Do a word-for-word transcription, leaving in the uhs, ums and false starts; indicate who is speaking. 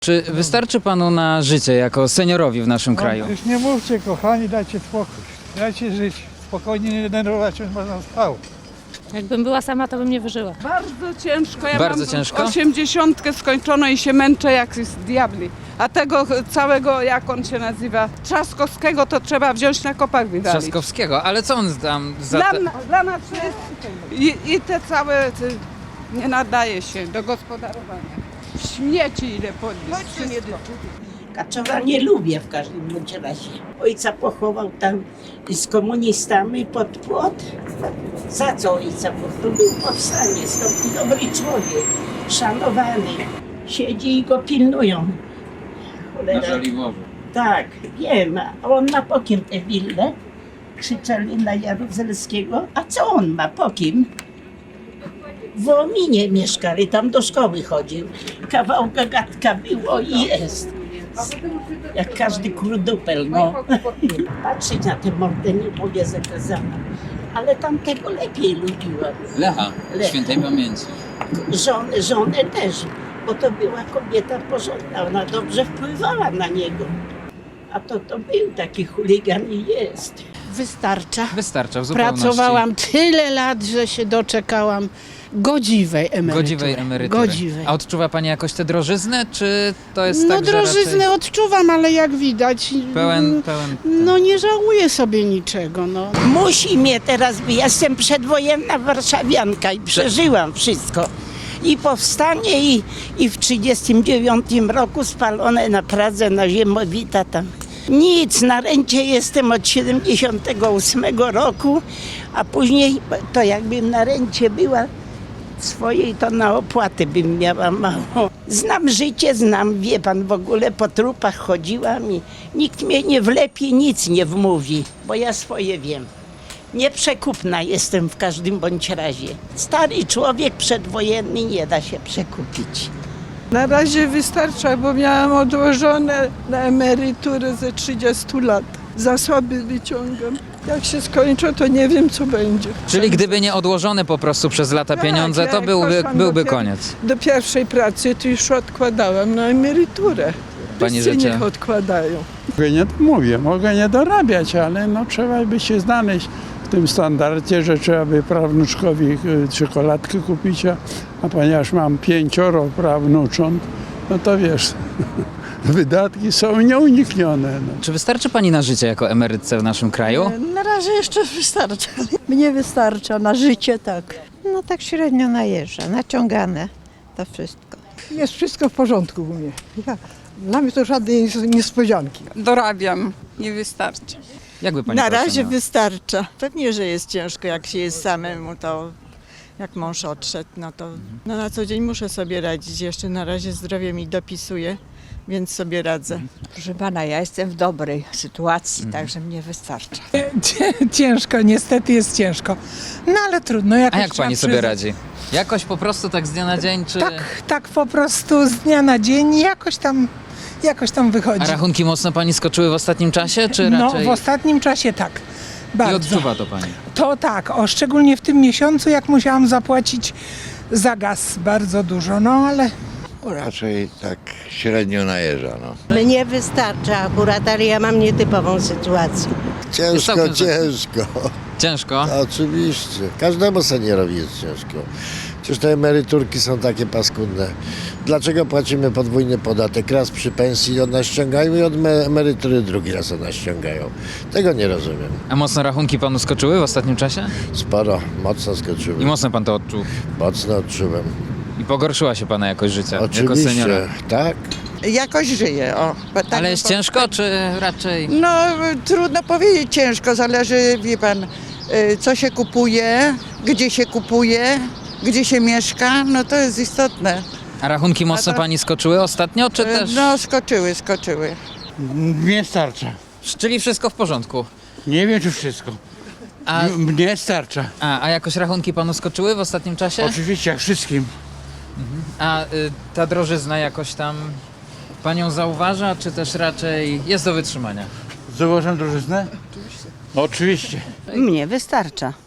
Speaker 1: Czy wystarczy panu na życie jako seniorowi w naszym kraju?
Speaker 2: Już nie mówcie, kochani, dajcie spokój. Dajcie żyć. Spokojnie, nie denerwować się, można spał.
Speaker 3: Jakbym była sama, to bym nie wyżyła.
Speaker 4: Bardzo ciężko. Ja
Speaker 1: Bardzo
Speaker 4: mam
Speaker 1: ciężko?
Speaker 4: osiemdziesiątkę skończono i się męczę jak z diabli. A tego całego, jak on się nazywa, Trzaskowskiego, to trzeba wziąć na kopach wydalić.
Speaker 1: Trzaskowskiego, ale co on tam za...
Speaker 4: Dla,
Speaker 1: Te...
Speaker 4: na- dla nas jest i, i te całe te, nie nadaje się do gospodarowania. Śmieci ile podnieść.
Speaker 5: Kaczowa nie lubię w każdym bądź razie. Ojca pochował tam z komunistami pod płot. Za co ojca? Bo to był powstanie, stąd dobry człowiek, szanowany. Siedzi i go pilnują. Cholera. Tak, wiem. A on ma po kim tę willę? Krzyczeli na Jaruzelskiego. A co on ma po kim? W Ominie mieszkali, tam do szkoły chodził. Kawał gagatka było i jest. Jak każdy kurdupel, no. Patrzeć na tę mordę nie mogę zakazana. Ale tamtego lepiej lubiłam.
Speaker 1: Lecha,
Speaker 5: Lecha.
Speaker 1: świętej pamięci.
Speaker 5: Żonę, żonę też, bo to była kobieta porządna, ona dobrze wpływała na niego. A to, to był taki chuligan i jest.
Speaker 6: Wystarcza.
Speaker 1: Wystarcza w zupełności.
Speaker 6: Pracowałam tyle lat, że się doczekałam godziwej emerytury.
Speaker 1: Godziwej emerytury.
Speaker 6: Godziwej.
Speaker 1: A odczuwa pani jakoś tę drożyznę, czy to jest
Speaker 6: No
Speaker 1: tak, że
Speaker 6: drożyznę
Speaker 1: raczej
Speaker 6: odczuwam, ale jak widać,
Speaker 1: pełen, pełen...
Speaker 6: no nie żałuję sobie niczego, no.
Speaker 5: Musi mnie teraz być, ja jestem przedwojenna warszawianka i przeżyłam wszystko. I powstanie i, i w trzydziestym dziewiątym roku spalone na Pradze, na Ziemowita tam. Nic, na rencie jestem od siedemdziesiątego ósmego roku, a później to jakbym na rencie była swojej, to na opłaty bym miała mało. Znam życie, znam, wie pan, w ogóle po trupach chodziłam i nikt mnie nie wlepi, nic nie wmówi, bo ja swoje wiem. Nieprzekupna jestem w każdym bądź razie. Stary człowiek przedwojenny nie da się przekupić.
Speaker 4: Na razie wystarcza, bo miałam odłożone na emeryturę ze trzydziestu lat. Zasoby wyciągam. Jak się skończą, to nie wiem, co będzie.
Speaker 1: Czyli gdyby nie odłożone po prostu przez lata
Speaker 4: Tak,
Speaker 1: pieniądze, to
Speaker 4: jak
Speaker 1: byłby,
Speaker 4: poszłam
Speaker 1: byłby
Speaker 4: do pier-
Speaker 1: koniec.
Speaker 4: Do pierwszej pracy to już odkładałam na emeryturę.
Speaker 1: Pani
Speaker 4: Wszyscy
Speaker 1: życie.
Speaker 4: niech odkładają.
Speaker 2: Mogę nie, mówię, mogę nie dorabiać, ale no trzeba by się znaleźć w tym standardzie, że trzeba by prawnuczkowi y, czekoladkę kupić, a, a ponieważ mam pięcioro prawnucząt, no to wiesz, wydatki są nieuniknione. No.
Speaker 1: Czy wystarczy pani na życie jako emerytce w naszym kraju?
Speaker 7: Na razie jeszcze wystarcza. Mnie wystarcza, na życie tak.
Speaker 8: No tak średnio najeżdża, naciągane to wszystko.
Speaker 7: Jest wszystko w porządku u mnie. Ja, dla mnie to żadnej niespodzianki.
Speaker 4: Dorabiam, nie wystarczy.
Speaker 1: Jakby pani
Speaker 9: Na
Speaker 1: to
Speaker 9: razie
Speaker 1: oceniała?
Speaker 9: wystarcza. Pewnie, że jest ciężko, jak się jest samemu, to jak mąż odszedł, no to no na co dzień muszę sobie radzić. Jeszcze na razie zdrowie mi dopisuje, więc sobie radzę.
Speaker 8: Proszę pana, ja jestem w dobrej sytuacji, także mnie wystarcza.
Speaker 10: Ciężko, niestety jest ciężko. No ale trudno. Jakoś
Speaker 1: A jak
Speaker 10: trzeba
Speaker 1: pani sobie
Speaker 10: przyznać.
Speaker 1: radzi? Jakoś po prostu tak z dnia na dzień, czy...
Speaker 10: Tak, tak po prostu z dnia na dzień jakoś tam, jakoś tam wychodzi.
Speaker 1: A rachunki mocno pani skoczyły w ostatnim czasie, czy
Speaker 10: No
Speaker 1: raczej...
Speaker 10: w ostatnim czasie tak.
Speaker 1: I
Speaker 10: Bardzo.
Speaker 1: odczuwa to pani?
Speaker 10: To tak, o, szczególnie w tym miesiącu, jak musiałam zapłacić za gaz bardzo dużo, no ale
Speaker 11: Raczej tak średnio najeżdża, no.
Speaker 7: Mnie wystarcza akurat, ale ja mam nietypową sytuację.
Speaker 11: Ciężko,
Speaker 1: całkiem
Speaker 11: ciężko.
Speaker 1: Ciężko?
Speaker 11: Oczywiście. Każdemu seniorowi jest ciężko. Przecież te emeryturki są takie paskudne. Dlaczego płacimy podwójny podatek? Raz przy pensji od nas ściągają i od me- emerytury drugi raz od nas ściągają. Tego nie rozumiem.
Speaker 1: A mocno rachunki panu skoczyły w ostatnim czasie?
Speaker 11: Sporo, mocno
Speaker 1: I
Speaker 11: skoczyły.
Speaker 1: mocno pan to odczuł?
Speaker 11: Mocno odczułem.
Speaker 1: I pogorszyła się pana jakość życia jako
Speaker 11: Oczywiście,
Speaker 1: seniora?
Speaker 11: tak.
Speaker 9: Jakoś żyję, o.
Speaker 1: Ale jest ciężko, czy raczej...
Speaker 9: No trudno powiedzieć ciężko, zależy, wie pan, y, co się kupuje, gdzie się kupuje, gdzie się mieszka, no to jest istotne.
Speaker 1: A rachunki mocno
Speaker 9: A to-
Speaker 1: pani skoczyły ostatnio, czy
Speaker 9: Y,
Speaker 1: też...
Speaker 9: No skoczyły, skoczyły.
Speaker 2: Mnie starcza.
Speaker 1: Czyli wszystko w porządku?
Speaker 2: Nie wiem, czy wszystko.
Speaker 1: A,
Speaker 2: Mnie starcza.
Speaker 1: a, a jakoś rachunki panu skoczyły w ostatnim czasie?
Speaker 2: Oczywiście, jak wszystkim.
Speaker 1: A y, ta drożyzna jakoś tam panią zauważa, czy też raczej jest do wytrzymania?
Speaker 2: Zauważam drożyznę? Oczywiście. Oczywiście.
Speaker 7: Mnie wystarcza.